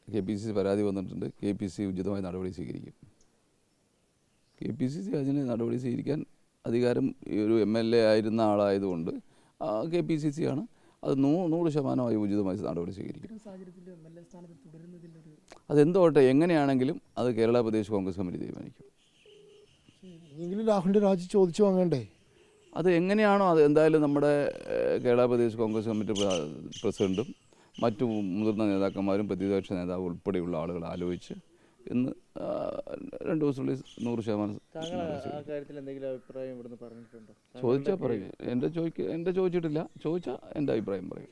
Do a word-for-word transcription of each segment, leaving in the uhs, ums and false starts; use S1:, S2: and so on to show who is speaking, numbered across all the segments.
S1: K P C C പരാതി വന്നിട്ടുണ്ട്. K P C C ഉചിതമായ നടപടി സ്വീകരിക്കും. കെ പി സി സി അതിന് നടപടി സ്വീകരിക്കാൻ അധികാരം ഒരു എം എൽ എ ആയിരുന്ന ആളായതുകൊണ്ട് കെ പി സി സി ആണ് അത് നൂ നൂറ് ശതമാനമായി ഉചിതമായി നടപടി സ്വീകരിക്കും. അതെന്തോട്ടെ, എങ്ങനെയാണെങ്കിലും അത് കേരള പ്രദേശ് കോൺഗ്രസ് കമ്മിറ്റി തീരുമാനിക്കും.
S2: രാഹുലിൻ്റെ രാജി ചോദിച്ചു വാങ്ങണ്ടേ?
S1: അത് എങ്ങനെയാണോ അത് എന്തായാലും നമ്മുടെ കേരള പ്രദേശ് കോൺഗ്രസ് കമ്മിറ്റി പ്രസിഡൻറ്റും മറ്റു മുതിർന്ന നേതാക്കന്മാരും പ്രതിപക്ഷ നേതാവ് ഉൾപ്പെടെയുള്ള ആളുകൾ ആലോചിച്ച് ഇന്ന് രണ്ട് ദിവസത്തിനുള്ളിൽ നൂറ് ശതമാനം ചോദിച്ചാൽ പറയും. എൻ്റെ ചോദിക്ക എൻ്റെ ചോദിച്ചിട്ടില്ല, ചോദിച്ചാൽ എൻ്റെ അഭിപ്രായം പറയും.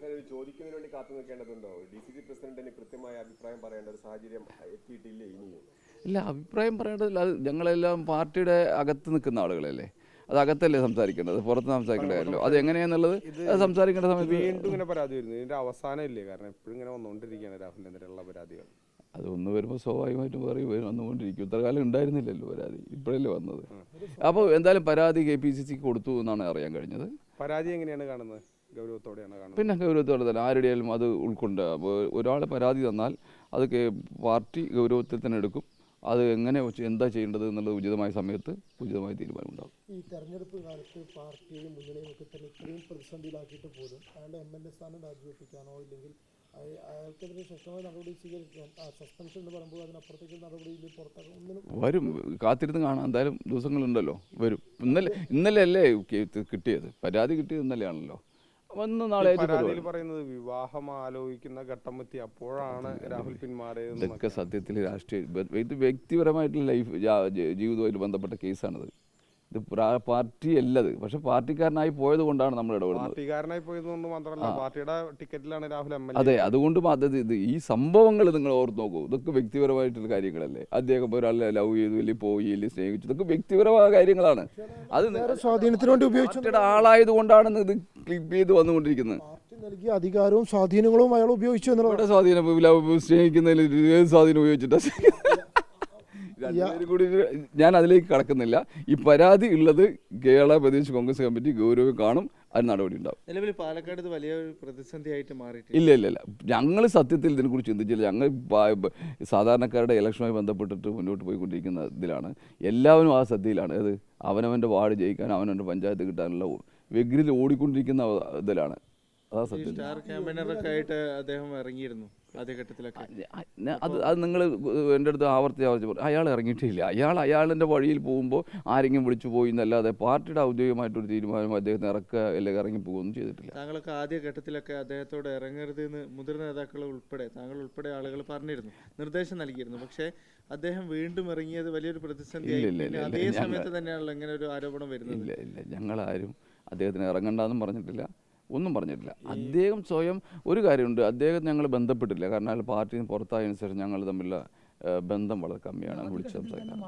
S1: ഇല്ല, അഭിപ്രായം പറയേണ്ടതില്ല. അത് ഞങ്ങളെല്ലാം പാർട്ടിയുടെ അകത്ത് നിൽക്കുന്ന ആളുകളല്ലേ, അത് അകത്തല്ലേ സംസാരിക്കേണ്ടത്, പുറത്ത് സംസാരിക്കേണ്ട കാര്യമല്ലോ. അത് എങ്ങനെയാണെന്നുള്ളത് അത് സംസാരിക്കേണ്ട സമയത്ത്
S3: വീണ്ടും ഇങ്ങനെ പരാതി വരുന്നു. ഇതിന്റെ അവസാനം ഇല്ലേ? കാരണം എപ്പോഴും ഇങ്ങനെ വന്നുകൊണ്ടിരിക്കുകയാണ് രാഹുലിനെതിരെയുള്ള പരാതികൾ.
S1: അത് ഒന്ന് വരുമ്പോൾ സ്വാഭാവികമായിട്ടും പറയും വന്നുകൊണ്ടിരിക്കും. ഇത്ര കാലം ഉണ്ടായിരുന്നില്ലല്ലോ പരാതി, ഇപ്പോഴല്ലേ വന്നത്. അപ്പോൾ എന്തായാലും പരാതി കെ പി സി സിക്ക് കൊടുത്തു എന്നാണ് അറിയാൻ കഴിഞ്ഞത്.
S3: പരാതി എങ്ങനെയാണ് കാണുന്നത്? ഗൗരവത്തോടെയാണ് കാണുന്നത്.
S1: പിന്നെ ഗൗരവത്തോടെ തന്നെ ആരുടെയാലും അത് ഉൾക്കൊണ്ട് ഒരാൾ പരാതി തന്നാൽ അത് പാർട്ടി ഗൗരവത്തിൽ തന്നെ എടുക്കും. അത് എങ്ങനെ എന്താ ചെയ്യേണ്ടത് എന്നുള്ളത് ഉചിതമായ സമയത്ത് ഉചിതമായ തീരുമാനം ഉണ്ടാകും.
S2: ഈ തെരഞ്ഞെടുപ്പ് കാലത്ത് പാർട്ടിയെയും മുന്നണിയും ഒക്കെ തന്നെ ഇത്രയും പ്രതിസന്ധിയിലാക്കിയിട്ട് പോലും അയാളുടെ എം എൽ എ സ്ഥാനം രാജിവെപ്പിക്കാനോ ഇല്ലെങ്കിൽ അയാൾക്കെതിരെ ശക്തമായ നടപടി സ്വീകരിക്കാൻ സസ്പെൻഷൻ എന്ന് പറയുമ്പോൾ അതിനപ്പുറത്തേക്ക് നടപടിയിൽ പുറത്താക്കും ഒന്നിനും
S1: വരും. കാത്തിരുന്ന് കാണാൻ എന്തായാലും ദിവസങ്ങളുണ്ടല്ലോ, വരും. ഇന്നലെ ഇന്നലെ അല്ലേ കിട്ടിയത്, പരാതി കിട്ടിയത് ഇന്നലെയാണല്ലോ. വന്ന് നാളെ
S3: പറയുന്നത് വിവാഹം ആലോചിക്കുന്ന ഘട്ടം എത്തി, അപ്പോഴാണ് രാഹുൽ പിന്മാറിയത്.
S1: ഇതൊക്കെ സത്യത്തിൽ രാഷ്ട്രീയ ഇത് വ്യക്തിപരമായിട്ടുള്ള ലൈഫ് ജീവിതവുമായിട്ട് ബന്ധപ്പെട്ട കേസാണിത്. ഇത് പാർട്ടി അല്ലത്, പക്ഷെ പാർട്ടിക്കാരനായി പോയത് കൊണ്ടാണ് നമ്മൾ ഇടപെടുന്നത്.
S3: പാർട്ടിക്കാരനായി പോയതുകൊണ്ട് മാത്രമല്ല, പാർട്ടിയുടെ ടിക്കറ്റിലാണ് രാഹുൽ എം എൽ എ.
S1: അതെ, അതുകൊണ്ട് ഇത് ഈ സംഭവങ്ങൾ നിങ്ങൾ ഓർത്ത് നോക്കൂ. ഇതൊക്കെ വ്യക്തിപരമായിട്ടുള്ള കാര്യങ്ങളല്ലേ. അദ്ദേഹം ഒരാളെ ലവ് ചെയ്തു, അല്ലെങ്കിൽ പോയി, അല്ലെങ്കിൽ സ്നേഹിച്ചു, ഇതൊക്കെ വ്യക്തിപരമായ കാര്യങ്ങളാണ്. അത്
S2: സ്വാധീനത്തിന് വേണ്ടി ഉപയോഗിച്ച
S1: ആളായത് കൊണ്ടാണ് ഇത് ക്ലിപ്പ് ചെയ്ത് വന്നുകൊണ്ടിരിക്കുന്നത്.
S2: നൽകിയ അധികാരവും സ്വാധീനങ്ങളും അയാൾ ഉപയോഗിച്ചു എന്നുള്ളത്.
S1: സ്വാധീനം സ്നേഹിക്കുന്നതിൽ സ്വാധീനം ഉപയോഗിച്ചിട്ട് കൂടി ഞാൻ അതിലേക്ക് കടക്കുന്നില്ല. ഈ പരാതി ഉള്ളത് കേരള പ്രദേശ് കോൺഗ്രസ് കമ്മിറ്റി ഗൗരവം കാണും, അതിന് നടപടി ഉണ്ടാവും.
S4: നിലവിൽ പാലക്കാട് വലിയ പ്രതിസന്ധിയായിട്ട് മാറി.
S1: ഇല്ല ഇല്ല ഇല്ല ഞങ്ങൾ സത്യത്തിൽ ഇതിനെക്കുറിച്ച് ചിന്തിച്ചില്ല. ഞങ്ങൾ സാധാരണക്കാരുടെ ഇലക്ഷനുമായി ബന്ധപ്പെട്ടിട്ട് മുന്നോട്ട് പോയിക്കൊണ്ടിരിക്കുന്ന ഇതിലാണ്. എല്ലാവരും ആ ശ്രദ്ധയിലാണ്. അത് അവനവൻ്റെ വാർഡ് ജയിക്കാൻ, അവനവൻ്റെ പഞ്ചായത്ത് കിട്ടാനുള്ള വെഗ്രിൽ ഓടിക്കൊണ്ടിരിക്കുന്ന ഇതിലാണ്. അതാ സത്യം.
S4: സ്റ്റാർ ക്യാമ്പയിനറൊക്കെ ആയിട്ട് അദ്ദേഹം ഇറങ്ങിയിരുന്നു ആദ്യഘട്ടത്തിലൊക്കെ.
S1: അത് അത് നിങ്ങൾ എൻ്റെ അടുത്ത് ആവർത്തി ആവർത്തി പറയും. അയാൾ ഇറങ്ങിയിട്ടില്ല. അയാൾ അയാളിൻ്റെ വഴിയിൽ പോകുമ്പോൾ ആരെങ്കിലും വിളിച്ചു പോയി എന്നല്ലാതെ പാർട്ടിയുടെ ഔദ്യോഗികമായിട്ടൊരു തീരുമാനം അദ്ദേഹത്തിന് ഇറക്കുക അല്ലെങ്കിൽ ഇറങ്ങി പോകുകയൊന്നും ചെയ്തിട്ടില്ല.
S4: താങ്കളൊക്കെ ആദ്യ ഘട്ടത്തിലൊക്കെ അദ്ദേഹത്തോട് ഇറങ്ങരുത് എന്ന് മുതിർന്ന നേതാക്കൾ ഉൾപ്പെടെ താങ്കൾ ഉൾപ്പെടെ ആളുകൾ പറഞ്ഞിരുന്നു, നിർദ്ദേശം നൽകിയിരുന്നു. പക്ഷേ അദ്ദേഹം വീണ്ടും ഇറങ്ങിയത് വലിയൊരു പ്രതിസന്ധി. അതേ സമയത്ത് തന്നെയാണല്ലോ ഇങ്ങനെ ഒരു ആരോപണം വരുന്നത്.
S1: ഇല്ല ഇല്ല ഞങ്ങളാരും അദ്ദേഹത്തിന് ഇറങ്ങണ്ടെന്നും പറഞ്ഞിട്ടില്ല, ഒന്നും പറഞ്ഞിട്ടില്ല. അദ്ദേഹം സ്വയം ഒരു കാര്യമുണ്ട്, അദ്ദേഹം ഞങ്ങൾ ബന്ധപ്പെട്ടില്ല. കാരണം അയാൾ പാർട്ടിയിൽ നിന്ന് പുറത്തായതിനു ശേഷം ഞങ്ങൾ തമ്മിലുള്ള ബന്ധം വളരെ കമ്മിയാണ്. വിളിച്ച് സംസാരിക്കുന്നത്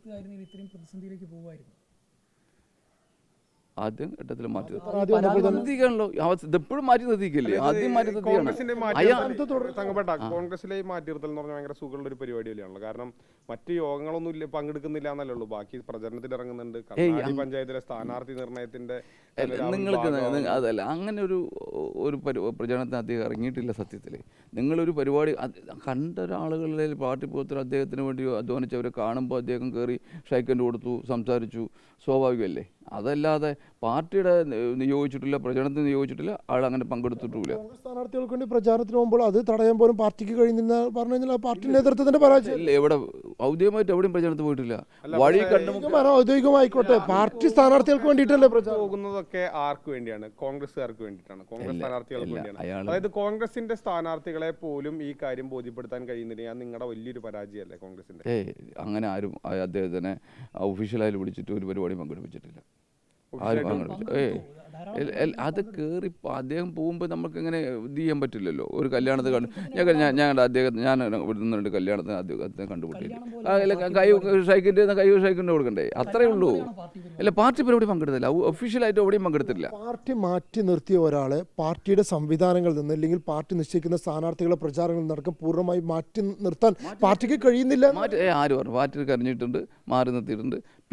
S1: ആദ്യം ഘട്ടത്തിൽ മാറ്റി നിർത്തിക്കാണല്ലോ. ഇതെപ്പോഴും മാറ്റി നിർത്തിക്കല്ലേ, ആദ്യം മാറ്റി നിർത്തിയാണ്.
S3: കോൺഗ്രസിലെ മാറ്റി നിർത്തൽ എന്ന് പറഞ്ഞാൽ ഭയങ്കര സുഖമുള്ള ഒരു പരിപാടി തന്നെയാണല്ലോ. കാരണം മറ്റ് യോഗങ്ങളൊന്നും ഇല്ല, പങ്കെടുക്കുന്നില്ല എന്നല്ലേ ഉള്ളൂ. ബാക്കി പ്രചരണത്തിൽ ഇറങ്ങുന്നുണ്ട്. പഞ്ചായത്തിലെ സ്ഥാനാർത്ഥി നിർണയത്തിന്റെ
S1: നിങ്ങൾക്ക് അതല്ല, അങ്ങനെ ഒരു ഒരു പ്രചരണത്തിന് അദ്ദേഹം ഇറങ്ങിയിട്ടില്ല. സത്യത്തിൽ നിങ്ങളൊരു പരിപാടി കണ്ട ഒരാളുകളിൽ പാർട്ടി പ്രവർത്തകർ അദ്ദേഹത്തിന് വേണ്ടി അധ്വാനിച്ചവരെ കാണുമ്പോൾ അദ്ദേഹം കയറി ഷൈക്കൻഡ് കൊടുത്തു, സംസാരിച്ചു, സ്വാഭാവികമല്ലേ. അതല്ലാതെ പാർട്ടിയുടെ നിയോഗിച്ചിട്ടില്ല, പ്രചരണത്തിന് നിയോഗിച്ചിട്ടില്ല, ആൾ അങ്ങനെ പങ്കെടുത്തിട്ടില്ല.
S2: സ്ഥാനാർത്ഥികൾക്ക് വേണ്ടി പ്രചാരണത്തിന് പോകുമ്പോൾ അത് തടയാൻ പോലും പാർട്ടിക്ക് കഴിയുന്ന പറഞ്ഞു കഴിഞ്ഞാൽ പാർട്ടി നേതൃത്വത്തിന്റെ പരാജയം.
S1: എവിടെ ഔദ്യോഗികമായിട്ട് എവിടെയും പ്രചരണത്തിന് പോയിട്ടില്ല. വഴി
S2: ഔദ്യോഗികമായിക്കോട്ടെ, പാർട്ടി സ്ഥാനാർത്ഥികൾക്ക് വേണ്ടിയിട്ടല്ലേ
S3: പോകുന്നതൊക്കെ ആർക്ക് വേണ്ടിയാണ്? കോൺഗ്രസ്സുകാർക്ക് വേണ്ടിയിട്ടാണ്, കോൺഗ്രസ് സ്ഥാനാർത്ഥികൾക്ക് വേണ്ടിയാണ്. അതായത് കോൺഗ്രസിന്റെ സ്ഥാനാർത്ഥികളെ പോലും ഈ കാര്യം ബോധ്യപ്പെടുത്താൻ കഴിയുന്നില്ല. ഞാൻ നിങ്ങളുടെ വലിയൊരു പരാജയമല്ലേ കോൺഗ്രസിന്റെ?
S1: ഏ അങ്ങനെ ആരും അദ്ദേഹത്തിനെ ഒഫീഷ്യലായി വിളിച്ചിട്ട് ഒരു പരിപാടി പങ്കെടുപ്പിച്ചിട്ടില്ല. ആരും പങ്കെടുപ്പിച്ചു ഏ അത് കയറി അദ്ദേഹം പോകുമ്പോൾ നമുക്ക് ഇങ്ങനെ ഇത് ചെയ്യാൻ പറ്റില്ലല്ലോ. ഒരു കല്യാണത്തിൽ കണ്ടു ഞാൻ ഞാൻ അദ്ദേഹത്തെ ഞാൻ ഇവിടുന്ന് കല്യാണത്തിന് അദ്ദേഹത്തെ കണ്ടുപിട്ടില്ല. കൈ ഷൈക്കിൻ്റെ കൈ ഷൈക്കിൻ്റെ കൊടുക്കണ്ടേ, അത്രേ ഉള്ളൂ. അല്ല പാർട്ടി പരിപാടി പങ്കെടുത്തില്ല, ഒഫീഷ്യലായിട്ട് എവിടെയും പങ്കെടുത്തില്ല.
S2: പാർട്ടി മാറ്റി നിർത്തിയ ഒരാളെ പാർട്ടിയുടെ സംവിധാനങ്ങളിൽ നിന്ന് അല്ലെങ്കിൽ പാർട്ടി നിശ്ചയിക്കുന്ന സ്ഥാനാർത്ഥികളെ പ്രചാരണങ്ങൾ നടക്കും പൂർണ്ണമായി മാറ്റി നിർത്താൻ പാർട്ടിക്ക് കഴിയുന്നില്ല.
S1: മാറ്റി ആര് പറഞ്ഞു? പാർട്ടി കരഞ്ഞിട്ടുണ്ട്, മാറി നിർത്തിയിട്ടുണ്ട്.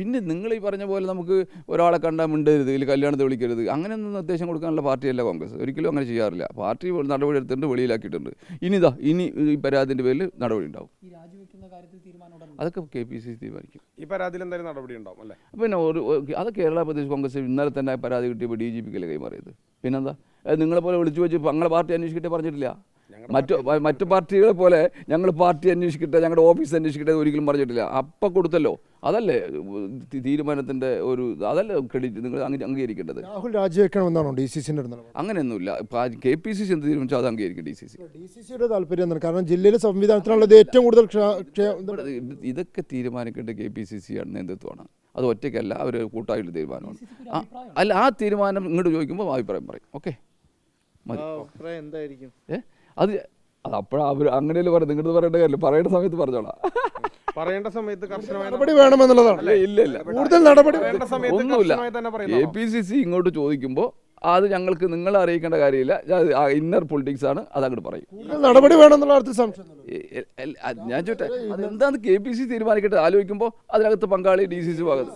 S1: പിന്നെ നിങ്ങൾ ഈ പറഞ്ഞ പോലെ നമുക്ക് ഒരാളെ കണ്ടാൽ മിണ്ടരുത് ഇതിൽ കല്യാണത്തെ വിളിക്കരുത് അങ്ങനെയൊന്നും നിർദ്ദേശം കൊടുക്കാനുള്ള പാർട്ടിയല്ല കോൺഗ്രസ്. ഒരിക്കലും അങ്ങനെ ചെയ്യാറില്ല. പാർട്ടി നടപടി എടുത്തിട്ടുണ്ട്, വെളിയിലാക്കിയിട്ടുണ്ട്. ഇനിതാ ഇനി ഈ പരാതിൻ്റെ പേരിൽ നടപടി ഉണ്ടാവും. അതൊക്കെ കെ പി സി സി തീരുമാനിക്കും.
S3: ഈ പരാതിയിൽ എന്തായാലും നടപടി ഉണ്ടാവും അല്ലേ?
S1: പിന്നെ ഒരു അത് കേരള പ്രദേശ് കോൺഗ്രസ് ഇന്നലെ തന്നെ പരാതി കിട്ടിയപ്പോൾ ഡി ജി പിക്കല്ലേ കൈമാറിയത്. പിന്നെന്താ നിങ്ങളെ പോലെ വിളിച്ചു വെച്ച് ഞങ്ങളെ പാർട്ടി അന്വേഷിക്കട്ടെ പറഞ്ഞിട്ടില്ല. മറ്റു മറ്റു പാർട്ടികളെ പോലെ ഞങ്ങൾ പാർട്ടി അന്വേഷിക്കട്ടെ, ഞങ്ങളുടെ ഓഫീസ് അന്വേഷിക്കട്ടെ ഒരിക്കലും പറഞ്ഞിട്ടില്ല. അപ്പം കൊടുത്തല്ലോ, അതല്ലേ തീരുമാനത്തിൻ്റെ ഒരു അതല്ലേ ക്രെഡിറ്റ് നിങ്ങൾ അംഗീകരിക്കേണ്ടത്.
S2: രാഹുൽ രാജിവെക്കണമെന്നാണോ ഡി സി സിന്റെ നിലപാട്?
S1: അങ്ങനെയൊന്നുമില്ല. കെ പി സി സി എന്ത് തീരുമാനിച്ചാൽ അത് അംഗീകരിക്കും D C C.
S2: D C സിയുടെ താല്പര്യം എന്താണ്? കാരണം ജില്ലയിലെ സംവിധാനത്തിനുള്ളത് ഏറ്റവും കൂടുതൽ
S1: ഇതൊക്കെ തീരുമാനിക്കേണ്ട കെ പി സി സി ആണ്, നേതൃത്വമാണ്. അത് ഒറ്റയ്ക്കല്ല, അവർ കൂട്ടായിട്ടുള്ള തീരുമാനമാണ്. അല്ല, ആ തീരുമാനം ഇങ്ങോട്ട് ചോദിക്കുമ്പോൾ അഭിപ്രായം പറയും. ഓക്കെ
S4: അഭിപ്രായം എന്തായിരിക്കും?
S1: ഏ അത് അത് അപ്പോഴാ അവർ അങ്ങനെയല്ലേ പറയുന്നത്. നിങ്ങളുടെ പറയേണ്ട കാര്യമില്ല, പറയേണ്ട സമയത്ത് പറഞ്ഞോളാം.
S3: പറയേണ്ട സമയത്ത് കർശനമായ
S2: നടപടി വേണമെന്നുള്ളതാണ്.
S1: ഇല്ല ഇല്ല
S2: കൂടുതൽ നടപടി
S1: ഒന്നുമില്ല. എ പി സി സി ഇങ്ങോട്ട് ചോദിക്കുമ്പോൾ അത് ഞങ്ങൾക്ക് നിങ്ങളെ അറിയിക്കേണ്ട കാര്യമില്ല. ഇന്നർ പൊളിറ്റിക്സ് ആണ്, അത് അങ്ങോട്ട് പറയും.
S2: നടപടി വേണമെന്നുള്ള അർത്ഥം സംശയം.
S1: ഞാൻ ചോട്ടെ അതെന്താന്ന് കെ പി സി തീരുമാനിക്കട്ടെ. ആലോചിക്കുമ്പോൾ അതിനകത്ത് പങ്കാളി ഡി സി സി ഭാഗത്ത്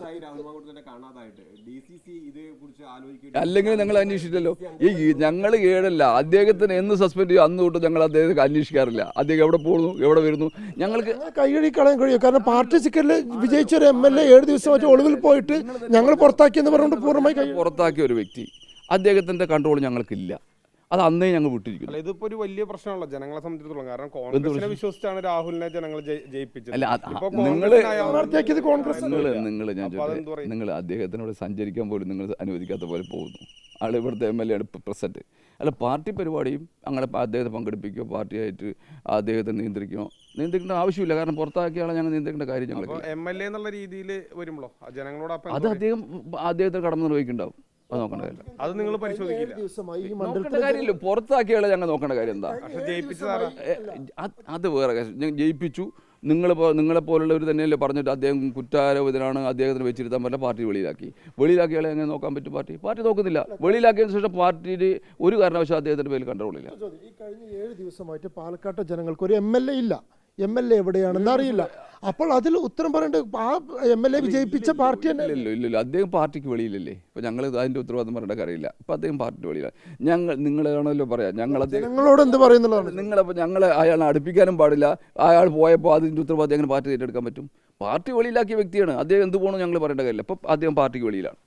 S1: അല്ലെങ്കിൽ ഞങ്ങൾ അന്വേഷിച്ചില്ലല്ലോ. ഈ ഞങ്ങൾ ഏഴല്ല അദ്ദേഹത്തിന് എന്ന് സസ്പെൻഡ് ചെയ്യും അന്ന് തൊട്ട് ഞങ്ങൾ അദ്ദേഹത്തെ അന്വേഷിക്കാറില്ല. അദ്ദേഹം എവിടെ പോകുന്നു, എവിടെ വരുന്നു, ഞങ്ങൾക്ക്
S2: കൈകഴുകി കളയാൻ കഴിയും. കാരണം പാർട്ടി ടിക്കറ്റിൽ വിജയിച്ച ഒരു എം എൽ എ ഏഴ് ദിവസം മറ്റേ ഒളിവിൽ പോയിട്ട് ഞങ്ങൾ പുറത്താക്കിയെന്ന് പറഞ്ഞുകൊണ്ട് പൂർണ്ണമായി
S1: പുറത്താക്കിയ ഒരു വ്യക്തി, അദ്ദേഹത്തിന്റെ കൺട്രോൾ ഞങ്ങൾക്കില്ല. അത് അന്നേ ഞങ്ങൾ വിട്ടിരിക്കുന്നു.
S3: ഇതിപ്പോ ഒരു വലിയ പ്രശ്നമാണല്ലോ ജനങ്ങളെ സംബന്ധിച്ചിടത്തോളം. കാരണം കോൺഗ്രസിനെ വിശ്വസിച്ചാണ് രാഹുലിനെ ജനങ്ങൾ ജയിപ്പിച്ചത്.
S1: അല്ല നിങ്ങൾ നിങ്ങൾ ഞാൻ ചോദിച്ചത് നിങ്ങൾ അദ്ദേഹത്തിനോട് സഞ്ചരിക്കാൻ പോലും നിങ്ങൾ അനുവദിക്കാത്ത പോലെ പോകുന്നു. ആൾ ഇവിടുത്തെ എം എൽ എ ആണ് പ്രസന്റ്. അല്ല പാർട്ടി പരിപാടിയും അങ്ങനെ അദ്ദേഹത്തെ പങ്കെടുപ്പിക്കുകയോ പാർട്ടിയായിട്ട് അദ്ദേഹത്തെ നിയന്ത്രിക്കണോ നിയന്ത്രിക്കേണ്ട ആവശ്യമില്ല. കാരണം പുറത്താക്കിയ ആളെ ഞങ്ങൾ നിയന്ത്രിക്കേണ്ട കാര്യം ഞങ്ങൾ
S3: എം എൽ എ എന്നുള്ള രീതിയിൽ വരുമ്പോഴോ ജനങ്ങളോട്
S1: അത് അദ്ദേഹം അദ്ദേഹത്തെ കടന്നു നിർവഹിക്കുന്നുണ്ടാവും. അത് നോക്കേണ്ട കാര്യം
S3: അത് നിങ്ങൾ പരിശോധിക്കില്ല.
S1: നോക്കേണ്ട കാര്യമില്ല. പുറത്താക്കിയാളെ ഞങ്ങൾ നോക്കേണ്ട കാര്യം എന്താ? അത് വേറെ കാര്യം. ജയിപ്പിച്ചു നിങ്ങൾ നിങ്ങളെപ്പോലുള്ളവർ തന്നെയല്ലേ പറഞ്ഞിട്ട് അദ്ദേഹം കുറ്റാരോപിതനാണ്, അദ്ദേഹത്തിന് വെച്ചിരുത്താൻ പറ്റില്ല, പാർട്ടി വെളിയിലാക്കി. വെളിയിലാക്കിയാളെ എങ്ങനെ നോക്കാൻ പറ്റും? പാർട്ടി പാർട്ടി നോക്കുന്നില്ല. വെളിയിലാക്കിയതിനു ശേഷം പാർട്ടിയിൽ ഒരു കാരണവശാലും അദ്ദേഹത്തിൻ്റെ പേരിൽ കൺട്രോളില്ല.
S2: ഈ കഴിഞ്ഞ ഏഴ് ദിവസമായിട്ട് പാലക്കാട്ടെ ജനങ്ങൾക്ക് ഒരു എം എൽ എ ഇല്ല. എം എൽ എ എവിടെയാണെന്ന് അറിയില്ല. അപ്പോൾ അതിൽ ഉത്തരം പറയേണ്ടത് ആ എം എൽ എ വിജയിപ്പിച്ച പാർട്ടി തന്നെ.
S1: ഇല്ലല്ലോ ഇല്ലല്ലോ അദ്ദേഹം പാർട്ടിക്ക് വെളിയിലല്ലേ. ഇപ്പം ഞങ്ങൾ അതിൻ്റെ ഉത്തരവാദിത്തം പറയേണ്ട കാര്യമില്ല. ഇപ്പം അദ്ദേഹം പാർട്ടിക്ക് വെളിയിലാണ്. ഞങ്ങൾ നിങ്ങളാണല്ലോ പറയാം, ഞങ്ങൾ
S2: ജനങ്ങളോട് എന്ത് പറയുന്നുള്ളതാണ്.
S1: നിങ്ങളപ്പോൾ ഞങ്ങളെ അയാളെ അടുപ്പിക്കാനും പാടില്ല. അയാൾ പോയപ്പോൾ അതിൻ്റെ ഉത്തരവാദിത്തം എങ്ങനെ പാർട്ടി ഏറ്റെടുക്കാൻ പറ്റും? പാർട്ടി വെളിയിലാക്കിയ വ്യക്തിയാണ് അദ്ദേഹം. എന്ത് പോകണം ഞങ്ങൾ പറയേണ്ട കാര്യമില്ല. അപ്പം അദ്ദേഹം പാർട്ടിക്ക് വെളിയിലാണ്.